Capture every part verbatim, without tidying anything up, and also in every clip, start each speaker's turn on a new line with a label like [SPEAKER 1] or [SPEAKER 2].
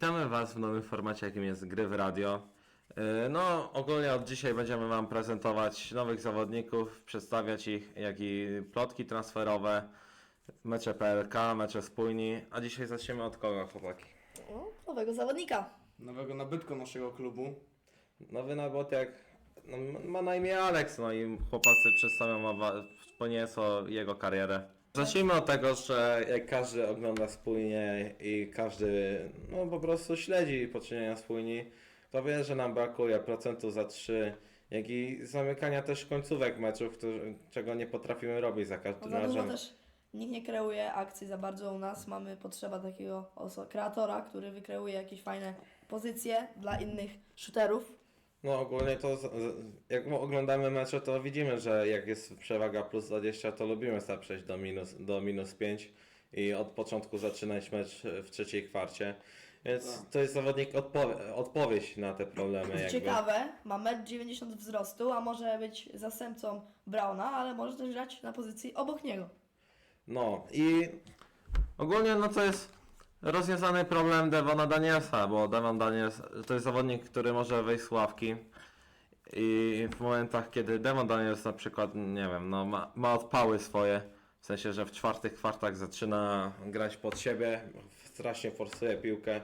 [SPEAKER 1] Witamy Was w nowym formacie, jakim jest Gry w Radio. Yy, No, ogólnie od dzisiaj będziemy Wam prezentować nowych zawodników, przedstawiać ich, jak i plotki transferowe, mecze P L K, mecze spójni. A dzisiaj zaczniemy od kogo, chłopaki?
[SPEAKER 2] O, nowego zawodnika.
[SPEAKER 3] Nowego nabytku naszego klubu.
[SPEAKER 1] Nowy nabotek no, ma na imię Alex, no i chłopacy przedstawią Wam po nieco jego karierę. Zacznijmy od tego, że jak każdy ogląda spójnie i każdy no, po prostu śledzi poczynienia spójni, to wie, że nam brakuje procentu za trzy, jak i zamykania też końcówek meczów, którzy, czego nie potrafimy robić za
[SPEAKER 2] No
[SPEAKER 1] każdym
[SPEAKER 2] za dużo
[SPEAKER 1] razem.
[SPEAKER 2] też nikt nie kreuje akcji za bardzo u nas. Mamy potrzeba takiego oso- kreatora, który wykreuje jakieś fajne pozycje dla innych shooterów.
[SPEAKER 1] No ogólnie to z, z, jak oglądamy mecze, to widzimy, że jak jest przewaga plus dwadzieścia, to lubimy sobie przejść do minus, do minus pięć i od początku zaczynać mecz w trzeciej kwarcie. Więc
[SPEAKER 3] Tak.
[SPEAKER 1] to jest zawodnik odpowie- odpowiedź na te problemy.
[SPEAKER 2] Co
[SPEAKER 1] Jakby.
[SPEAKER 2] ciekawe, ma metr dziewięćdziesiąt wzrostu, a może być zastępcą Brauna, ale może też grać na pozycji obok niego.
[SPEAKER 1] No i ogólnie no to jest rozwiązany problem Devona Danielsa, bo Devon Daniels to jest zawodnik, który może wejść z ławki i w momentach, kiedy Devon Daniels na przykład, nie wiem, no ma, ma odpały swoje, w sensie, że w czwartych kwartach zaczyna grać pod siebie, strasznie forsuje piłkę.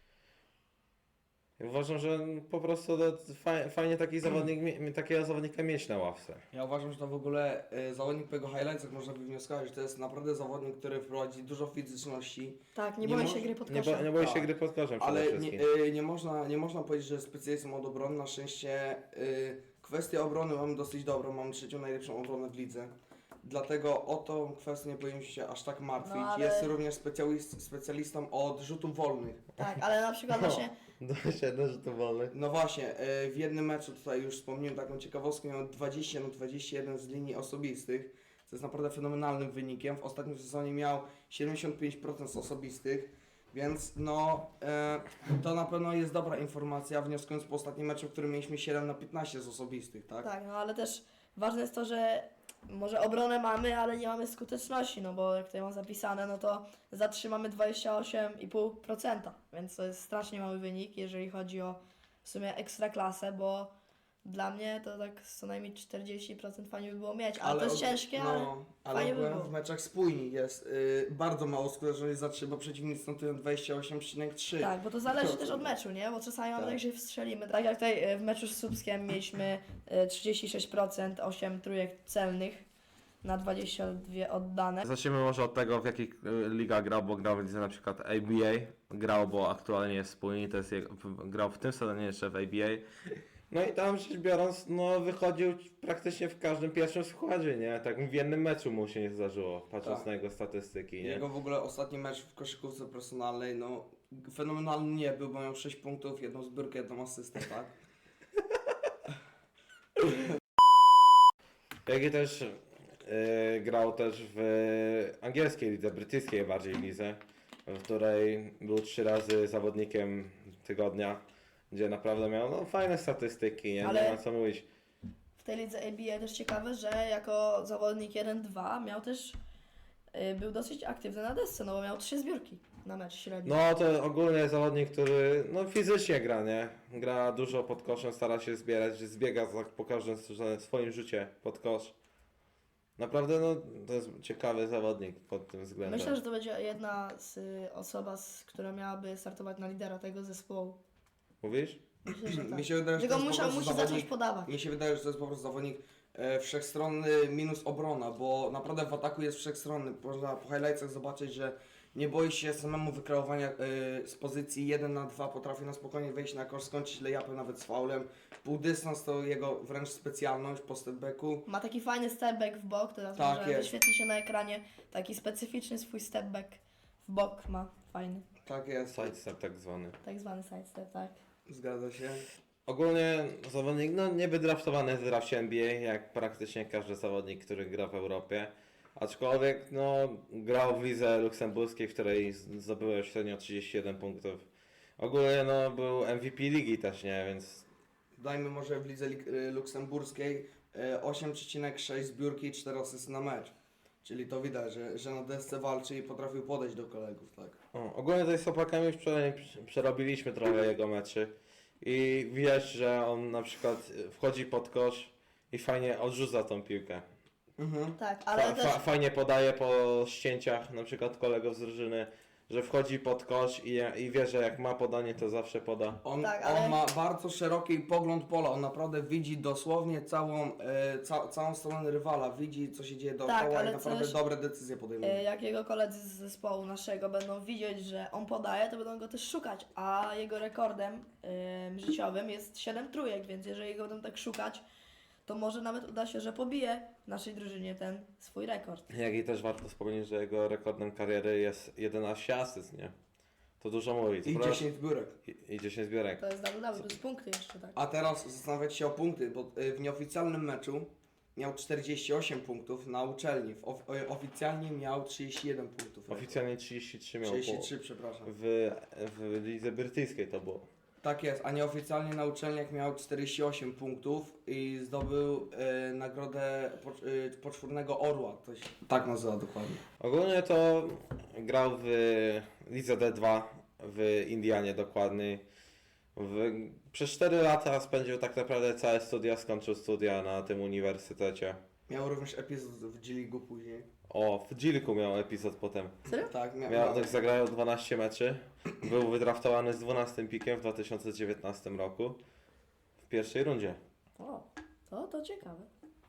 [SPEAKER 1] I uważam, że po prostu to faj, fajnie taki zawodnik, mie- takiego zawodnika mieć na ławce.
[SPEAKER 3] Ja uważam, że to w ogóle y, zawodnik po jego highlightsach można wywnioskować, że to jest naprawdę zawodnik, który wprowadzi dużo fizyczności,
[SPEAKER 2] Tak, nie,
[SPEAKER 3] Nie
[SPEAKER 2] boi
[SPEAKER 3] mo-
[SPEAKER 2] się gry pod
[SPEAKER 1] Nie,
[SPEAKER 2] koszem.
[SPEAKER 1] bo, nie boi się
[SPEAKER 3] Tak.
[SPEAKER 1] gry pod koszem przede
[SPEAKER 3] ale
[SPEAKER 1] wszystkim.
[SPEAKER 3] nie, y, nie, można, nie można powiedzieć, że jest specjalistą od obrony. Na szczęście y, kwestię obrony mamy dosyć dobrą, mamy trzecią najlepszą obronę w lidze. Dlatego o tą kwestię nie powinniśmy się aż tak martwić.
[SPEAKER 2] No, ale-
[SPEAKER 3] Jest również specjalist, specjalistą od rzutów wolnych.
[SPEAKER 2] Tak, ale na przykład
[SPEAKER 1] No.
[SPEAKER 2] właśnie
[SPEAKER 1] dwadzieścia jeden rzutów wolnych.
[SPEAKER 3] No właśnie, e, w jednym meczu tutaj już wspomniałem taką ciekawostkę, miał dwadzieścia na dwadzieścia jeden z linii osobistych, co jest naprawdę fenomenalnym wynikiem. W ostatnim sezonie miał siedemdziesiąt pięć procent z osobistych, więc no e, to na pewno jest dobra informacja, wnioskując po ostatnim meczu, w którym mieliśmy siedem na piętnaście z osobistych, tak?
[SPEAKER 2] tak, no ale też ważne jest to, że może obronę mamy, ale nie mamy skuteczności, no bo jak tutaj mam zapisane, no to zatrzymamy dwadzieścia osiem i pół procent, więc to jest strasznie mały wynik, jeżeli chodzi o w sumie ekstraklasę, bo dla mnie to tak co najmniej czterdzieści procent fajnie by było mieć, ale, to jest
[SPEAKER 3] og-
[SPEAKER 2] ciężkie, ale
[SPEAKER 3] no, ale
[SPEAKER 2] fajnie by
[SPEAKER 3] ogółem
[SPEAKER 2] było.
[SPEAKER 3] w meczach spójni jest y, bardzo mało skuteczności za trzy, bo przeciwnicy notują dwadzieścia osiem przecinek trzy.
[SPEAKER 2] Tak, bo to zależy też od meczu, nie? Bo czasami mamy
[SPEAKER 3] Tak.
[SPEAKER 2] tak, że wstrzelimy. Tak jak tutaj e, w meczu z Słupskiem mieliśmy e, trzydzieści sześć procent, osiem trójek celnych na dwadzieścia dwa oddane.
[SPEAKER 1] Zacznijmy może od tego, w jakich y, ligach grał, bo grał w lidze na przykład A B A, grał, bo aktualnie jest spójny, to jest jego, w- grał w tym sezonie jeszcze w A B A. No i tam rzecz biorąc, no wychodził praktycznie w każdym pierwszym składzie, nie? Tak w jednym meczu mu się nie zdarzyło, patrząc
[SPEAKER 3] Tak.
[SPEAKER 1] na jego statystyki, nie?
[SPEAKER 3] Jego w ogóle ostatni mecz w koszykówce personalnej, no fenomenalny nie był, bo miał sześć punktów, jedną zbiórkę, jedną asystę, tak?
[SPEAKER 1] Jak i też y, grał też w angielskiej lidze, brytyjskiej bardziej lidze, w której był trzy razy zawodnikiem tygodnia, gdzie naprawdę miał no, fajne statystyki, nie,
[SPEAKER 2] Ale-
[SPEAKER 1] nie ma co mówić.
[SPEAKER 2] W tej lidze A B A też ciekawe, że jako zawodnik jeden dwa miał też, y, był dosyć aktywny na desce, no bo miał trzy zbiórki na mecz średnio.
[SPEAKER 1] No to ogólnie zawodnik, który no, fizycznie gra, nie? Gra dużo pod koszem, stara się zbierać, zbiega tak po każdym swoim rzucie pod kosz. Naprawdę no, to jest ciekawy zawodnik pod tym względem.
[SPEAKER 2] Myślę, że to będzie jedna z y, osoba, z, która miałaby startować na lidera tego zespołu.
[SPEAKER 1] Mówisz?
[SPEAKER 2] Myślę, że tak.
[SPEAKER 3] Mi się wydaje, że
[SPEAKER 2] Tylko
[SPEAKER 3] to jest po
[SPEAKER 2] musiał,
[SPEAKER 3] prostu
[SPEAKER 2] musi zacząć
[SPEAKER 3] zawodnik,
[SPEAKER 2] podawać.
[SPEAKER 3] mi się wydaje, że to jest po prostu zawodnik e, wszechstronny minus obrona, bo naprawdę w ataku jest wszechstronny. Można po highlightsach zobaczyć, że nie boi się samemu wykreowania e, z pozycji jeden na dwa, potrafi na spokojnie wejść na kosz, skończyć layupem nawet z faulem. Pół dystans to jego wręcz specjalność po stepbacku.
[SPEAKER 2] Ma taki fajny stepback w bok, teraz
[SPEAKER 3] Tak
[SPEAKER 2] może
[SPEAKER 3] jest.
[SPEAKER 2] wyświetli się na ekranie. Taki specyficzny swój stepback w bok ma, fajny.
[SPEAKER 3] Tak jest,
[SPEAKER 1] Sidestep tak zwany.
[SPEAKER 2] Tak zwany sidestep, tak.
[SPEAKER 3] zgadza się.
[SPEAKER 1] Ogólnie zawodnik, no nie wydraftowany w drafcie N B A, jak praktycznie każdy zawodnik, który gra w Europie. Aczkolwiek, no, grał w lidze luksemburskiej, w której zdobył średnio trzydzieści jeden punktów. Ogólnie, no, był M V P ligi też, nie, więc
[SPEAKER 3] Dajmy może w lidze lik- y, luksemburskiej e, osiem przecinek sześć zbiórki i cztery asysty na mecz. Czyli to widać, że, że na desce walczy i potrafił podejść do kolegów, tak.
[SPEAKER 1] O, ogólnie tutaj z chłopakami już prze, przerobiliśmy trochę jego meczy i widać, że on na przykład wchodzi pod kosz i fajnie odrzuca tą piłkę.
[SPEAKER 3] Mhm.
[SPEAKER 2] Tak,
[SPEAKER 1] Fa,
[SPEAKER 2] ale też...
[SPEAKER 1] fa, fajnie podaje po ścięciach na przykład kolegów z drużyny, że wchodzi pod kosz i, i wie, że jak ma podanie, to zawsze poda.
[SPEAKER 3] On,
[SPEAKER 2] Tak, ale-
[SPEAKER 3] on ma bardzo szeroki pogląd pola, on naprawdę widzi dosłownie całą, e, ca, całą stronę rywala, widzi co się dzieje dookoła
[SPEAKER 2] Tak, ale
[SPEAKER 3] i naprawdę
[SPEAKER 2] też,
[SPEAKER 3] dobre decyzje podejmuje.
[SPEAKER 2] E, Jak jego koledzy z zespołu naszego będą widzieć, że on podaje, to będą go też szukać, a jego rekordem em, życiowym jest siedem trójek, więc jeżeli go będą tak szukać, to może nawet uda się, że pobije w naszej drużynie ten swój rekord.
[SPEAKER 1] Jak i też warto wspomnieć, że jego rekordem kariery jest jedenaście asyst, nie? To dużo mówi. Co
[SPEAKER 3] I
[SPEAKER 1] prawda-
[SPEAKER 3] dziesięć zbiórek.
[SPEAKER 1] I, i dziesięć zbiorek.
[SPEAKER 2] To jest double double, plus punkty jeszcze, tak.
[SPEAKER 3] A teraz zastanawiać się o punkty, bo e, w nieoficjalnym meczu miał czterdzieści osiem punktów na uczelni, w of, e, oficjalnie miał trzydzieści jeden punktów.
[SPEAKER 1] Oficjalnie trzydzieści trzy miał
[SPEAKER 3] trzydzieści
[SPEAKER 1] po,
[SPEAKER 3] trzy, przepraszam.
[SPEAKER 1] w, w lidze brytyjskiej to było.
[SPEAKER 3] Tak jest, a nieoficjalnie na uczelniach miał czterdzieści osiem punktów i zdobył e, nagrodę po, e, poczwórnego orła, to się tak nazywa dokładnie.
[SPEAKER 1] Ogólnie to grał w lidze D dwa w Indianie dokładniej. W, przez cztery lata spędził tak naprawdę całe studia, skończył studia na tym uniwersytecie.
[SPEAKER 3] Miał również epizod w G-League'u później.
[SPEAKER 1] O, w Gilku miał epizod potem.
[SPEAKER 2] Serio?
[SPEAKER 3] Tak, mia,
[SPEAKER 1] Miał,
[SPEAKER 3] miał.
[SPEAKER 1] tak zagrał dwanaście meczy. Był wydraftowany z dwunastym pikiem w dwa tysiące dziewiętnastym roku. W pierwszej rundzie.
[SPEAKER 2] O, to, to ciekawe.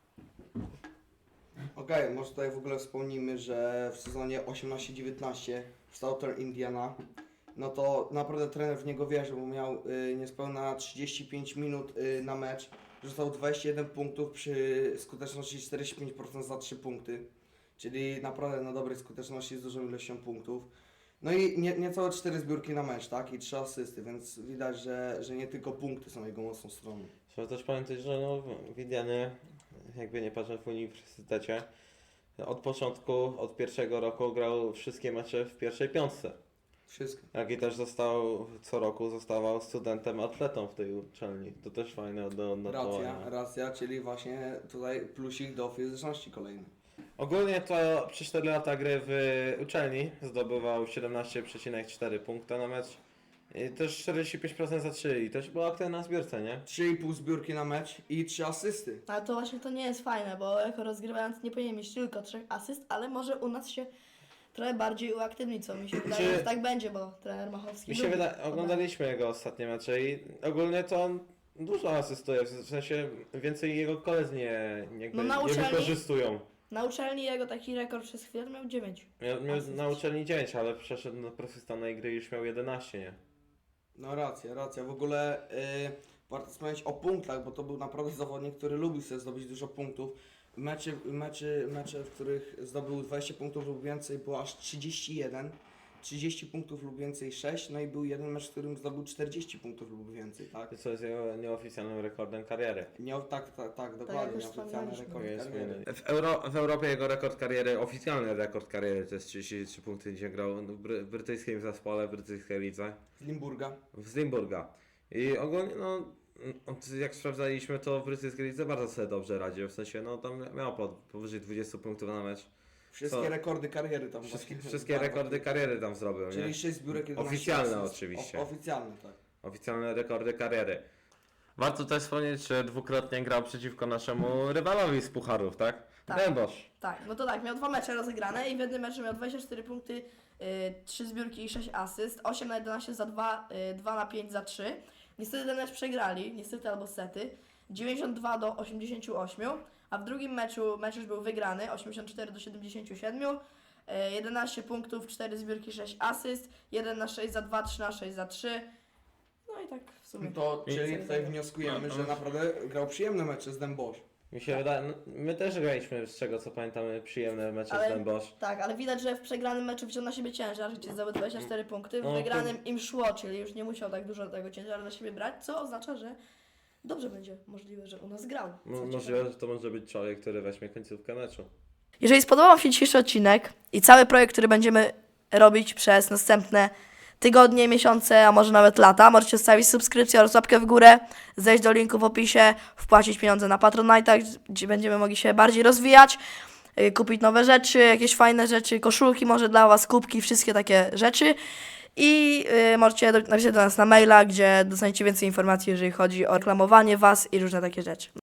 [SPEAKER 3] Okej, może tutaj w ogóle wspomnimy, że w sezonie osiemnaście dziewiętnaście w Southern Indiana, no to naprawdę trener w niego wierzył, bo miał y, niespełna trzydzieści pięć minut y, na mecz, rzucał dwadzieścia jeden punktów przy skuteczności czterdzieści pięć procent za trzy punkty, czyli naprawdę na dobrej skuteczności z dużą ilością punktów. No i nie, niecałe cztery zbiórki na mecz, tak? I trzy asysty, więc widać, że, że nie tylko punkty są jego mocną stroną.
[SPEAKER 1] Trzeba też pamiętać, że no, w Indianie, jakby nie patrzę w uniwersytecie, od początku, od pierwszego roku grał wszystkie mecze w pierwszej piątce.
[SPEAKER 3] Wszystko.
[SPEAKER 1] Jak i też został, co roku zostawał studentem atletą w tej uczelni. To też fajne do odnotowania.
[SPEAKER 3] Racja, racja, czyli właśnie tutaj plusik do fizyczności kolejny.
[SPEAKER 1] Ogólnie to przez cztery lata gry w uczelni zdobywał siedemnaście przecinek cztery punkta na mecz. I też czterdzieści pięć procent za trzy i też był aktywny na zbiórce, nie?
[SPEAKER 3] trzy i pół zbiórki na mecz i trzy asysty.
[SPEAKER 2] Ale to właśnie to nie jest fajne, bo jako rozgrywający nie powinien mieć tylko trzech asyst, ale może u nas się trochę bardziej uaktywnić, co mi się wydaje,
[SPEAKER 1] Czy-
[SPEAKER 2] że tak będzie, bo trener Machowski
[SPEAKER 1] Mi się
[SPEAKER 2] lubi
[SPEAKER 1] wydaje,
[SPEAKER 2] podanie.
[SPEAKER 1] oglądaliśmy jego ostatnie mecze i ogólnie to on dużo asystuje, w sensie więcej jego koledzy nie, jakby
[SPEAKER 2] No na
[SPEAKER 1] nie
[SPEAKER 2] uczelni-
[SPEAKER 1] wykorzystują.
[SPEAKER 2] Na uczelni jego taki rekord przez chwilę to miał dziewięć.
[SPEAKER 1] Miał, miał
[SPEAKER 2] Asyst.
[SPEAKER 1] na uczelni dziewięć, ale przeszedł na profesjonalnej gry i już miał jedenaście, nie?
[SPEAKER 3] No racja, racja. W ogóle yy, warto wspomnieć o punktach, bo to był naprawdę zawodnik, który lubił sobie zdobyć dużo punktów. Meczy, meczy, mecze, w których zdobył dwadzieścia punktów lub więcej, było aż trzydzieści jeden. trzydzieści punktów lub więcej sześć, no i był jeden mecz, w którym zdobył czterdzieści punktów lub więcej, tak?
[SPEAKER 1] Co jest jego nieoficjalnym rekordem kariery.
[SPEAKER 3] Nie, tak, tak, tak,
[SPEAKER 2] jak
[SPEAKER 3] dokładnie,
[SPEAKER 2] już
[SPEAKER 3] nieoficjalny
[SPEAKER 2] wspomnieliśmy.
[SPEAKER 3] rekord
[SPEAKER 1] Jest
[SPEAKER 3] kariery.
[SPEAKER 1] W, Euro, w Europie jego rekord kariery, oficjalny rekord kariery to jest trzydzieści trzy punkty, gdzie grał w, bry, w brytyjskim zespole, w brytyjskiej lidze,
[SPEAKER 3] Z Limburga.
[SPEAKER 1] z Limburga. I ogólnie, no, od- jak sprawdzaliśmy, to w brytyjskiej lidze bardzo sobie dobrze radził, w sensie, no, tam miał po, powyżej dwadzieścia punktów na mecz.
[SPEAKER 3] Wszystkie
[SPEAKER 1] Co?
[SPEAKER 3] rekordy kariery tam
[SPEAKER 1] Wszystkie,
[SPEAKER 3] właśnie.
[SPEAKER 1] wszystkie
[SPEAKER 3] Tak,
[SPEAKER 1] rekordy kariery tam zrobił, nie?
[SPEAKER 3] Czyli sześć zbiórek, jedenaście
[SPEAKER 1] Oficjalne
[SPEAKER 3] asyst.
[SPEAKER 1] oczywiście.
[SPEAKER 3] O, oficjalne, tak.
[SPEAKER 1] Oficjalne rekordy kariery. Warto też wspomnieć, że dwukrotnie grał przeciwko naszemu rywalowi z pucharów, tak?
[SPEAKER 2] Tak.
[SPEAKER 1] Dębosz.
[SPEAKER 2] Tak, no to tak, miał dwa mecze rozegrane i w jednym meczu miał dwadzieścia cztery punkty, yy, trzy zbiórki i sześć asyst, osiem na jedenaście za dwa, yy, dwa na pięć za trzy. Niestety ten mecz przegrali, niestety albo sety, dziewięćdziesiąt dwa do osiemdziesięciu ośmiu, a w drugim meczu mecz już był wygrany, osiemdziesiąt cztery do siedemdziesięciu siedmiu, yy, jedenaście punktów, cztery zbiórki, sześć asyst, jeden na sześć za dwa, trzy na sześć za trzy. No i tak w sumie.
[SPEAKER 3] To,
[SPEAKER 1] I-
[SPEAKER 3] czyli tutaj wnioskujemy, że naprawdę grał przyjemne mecze z Dębosz.
[SPEAKER 1] Mi się wydaje, no, my też graliśmy, z czego co pamiętamy, przyjemne mecze
[SPEAKER 2] Ale-
[SPEAKER 1] z Dębosz.
[SPEAKER 2] Tak, ale widać, że w przegranym meczu wziął na siebie ciężar, gdzie zdobył dwadzieścia cztery punkty, w
[SPEAKER 1] No, to-
[SPEAKER 2] wygranym im szło, czyli już nie musiał tak dużo tego ciężaru na siebie brać, co oznacza, że dobrze będzie możliwe, że u nas grał. Co
[SPEAKER 1] No,
[SPEAKER 2] ciekawe.
[SPEAKER 1] możliwe, że to może być człowiek, który weźmie końcówkę meczu.
[SPEAKER 2] Jeżeli spodobał Wam się dzisiejszy odcinek i cały projekt, który będziemy robić przez następne tygodnie, miesiące, a może nawet lata, możecie zostawić subskrypcję oraz łapkę w górę, zejść do linku w opisie, wpłacić pieniądze na Patronite, gdzie będziemy mogli się bardziej rozwijać. y, kupić nowe rzeczy, jakieś fajne rzeczy, koszulki może dla was, kubki, wszystkie takie rzeczy. I y, możecie do, napisać do nas na maila, gdzie dostaniecie więcej informacji, jeżeli chodzi o reklamowanie was i różne takie rzeczy.